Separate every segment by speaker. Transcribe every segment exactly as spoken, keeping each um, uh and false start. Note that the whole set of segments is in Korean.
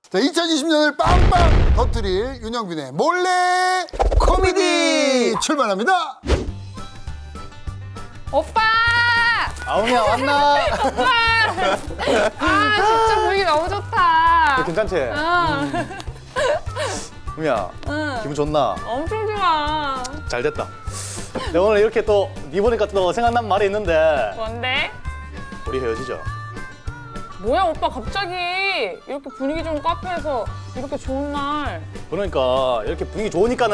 Speaker 1: 자, 이천이십 년을 빵빵 터뜨릴 윤영빈의 몰래 코미디 출발합니다.
Speaker 2: 오빠!
Speaker 3: 아우미야 왔나?
Speaker 2: 오빠! 아 진짜 분위기 너무 좋다.
Speaker 3: 괜찮지?
Speaker 2: 응.
Speaker 3: 우미야
Speaker 2: 응.
Speaker 3: 기분 좋나?
Speaker 2: 엄청 좋아.
Speaker 3: 잘 됐다. 내가 오늘 이렇게 또 니 보니까 또 생각난 말이 있는데
Speaker 2: 뭔데?
Speaker 3: 우리 헤어지자.
Speaker 2: 뭐야 오빠 갑자기 이렇게 분위기 좋은 카페에서 이렇게 좋은 날.
Speaker 3: 그러니까 이렇게 분위기 좋으니까는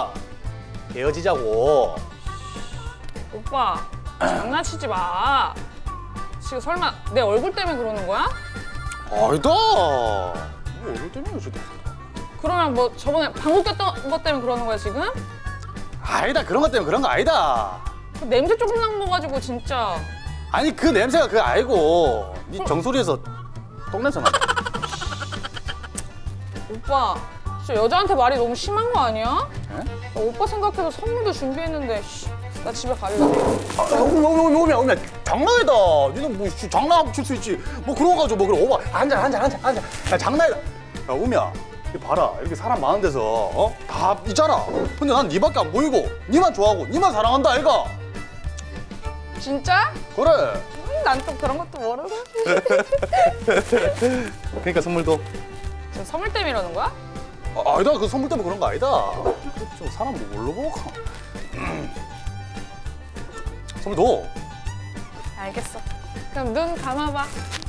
Speaker 3: 헤어지자고.
Speaker 2: 오빠 장난치지 마. 지금 설마 내 얼굴 때문에 그러는 거야?
Speaker 3: 아니다. 뭐 얼굴 때문에 헤어지다.
Speaker 2: 그러면 뭐 저번에 방구 꼈던 것 때문에 그러는 거야 지금?
Speaker 3: 아니다. 그런 것 때문에 그런 거 아니다.
Speaker 2: 그 냄새 조금 난 거 가지고 진짜.
Speaker 3: 아니 그 냄새가 그거 아니고 니 정수리에서 똥냄새 난다.
Speaker 2: 오빠 진짜 여자한테 말이 너무 심한 거 아니야?
Speaker 3: 에?
Speaker 2: 나 오빠 생각해서 선물도 준비했는데 씨, 나 집에 갈래.
Speaker 3: 아, 오미야, 오미야, 오미야, 장난이다. 니는 뭐 씨, 장난하고 칠 수 있지. 뭐 그런 거 가지고 뭐 그래. 오바, 앉아, 앉아, 앉아, 앉아. 야, 장난이다. 야, 오미야, 이 봐라. 이렇게 사람 많은 데서 어? 다 있잖아. 근데 난 니밖에 안 보이고, 니만 좋아하고, 니만 사랑한다, 아이가.
Speaker 2: 진짜?
Speaker 3: 그래.
Speaker 2: 음, 난 또 그런 것도 모르고.
Speaker 3: 그러니까 선물도.
Speaker 2: 지금 선물 때문에 이러는 거야?
Speaker 3: 아, 아니다. 그 선물 때문에 그런 거 아니다. 좀 사람 뭐 뭘로 보고. 선물도.
Speaker 2: 알겠어. 그럼 눈 감아봐.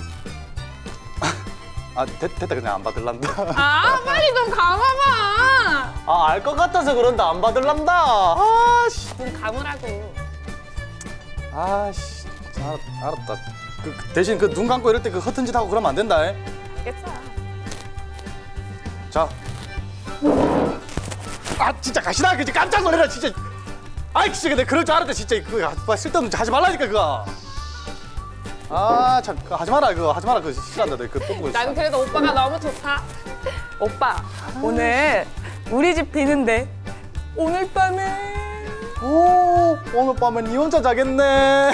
Speaker 3: 아, 됐, 됐다. 그냥 안 받을란다.
Speaker 2: 아 빨리 눈 감아봐.
Speaker 3: 아, 알 것 같아서 그런다. 안 받을란다. 아, 씨.
Speaker 2: 눈 감으라고.
Speaker 3: 아씨, 알았, 알았다. 그, 그 대신 그 눈 감고 이럴 때 그 허튼 짓 하고 그러면 안 된다. 에?
Speaker 2: 알겠어.
Speaker 3: 자. 아 진짜 가시나 그지 깜짝 놀래라 진짜. 아이 진짜 내가 그럴 줄 알았다 진짜 그거 쓸데없는 짓 하지 말라니까 그거. 아참 하지 마라 그거 하지 마라 그거 싫어한다 내가 그거 또 보고 있어.
Speaker 2: 난 그래도 오빠가 너무 좋다. 오빠 오늘 우리 집 비는데 오늘 밤에.
Speaker 3: 오 오늘 밤에 니 혼자 자겠네.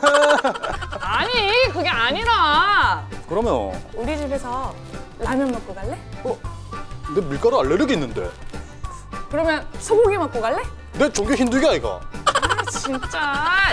Speaker 2: 아니 그게 아니라
Speaker 3: 그러면
Speaker 2: 우리 집에서 라면 먹고 갈래?
Speaker 3: 어? 내 밀가루 알레르기 있는데.
Speaker 2: 그러면 소고기 먹고 갈래?
Speaker 3: 내 종교 힌두교야 이거.
Speaker 2: 아 진짜.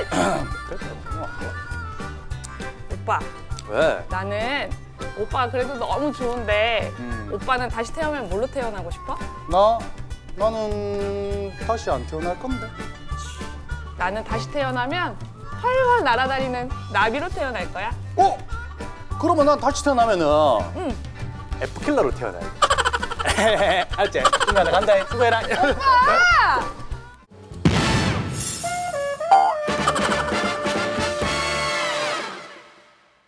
Speaker 2: 오빠
Speaker 3: 왜?
Speaker 2: 나는 오빠가 그래도 너무 좋은데
Speaker 3: 음.
Speaker 2: 오빠는 다시 태어나면 뭘로 태어나고 싶어?
Speaker 3: 나 나는 다시 안 태어날 건데.
Speaker 2: 나는 다시 태어나면 활활 날아다니는 나비로 태어날 거야.
Speaker 3: 어? 그러면 난 다시 태어나면은
Speaker 2: 응.
Speaker 3: F킬러로 태어나야 돼. 알지? 인간아 간다. 수고해라.
Speaker 2: 오빠!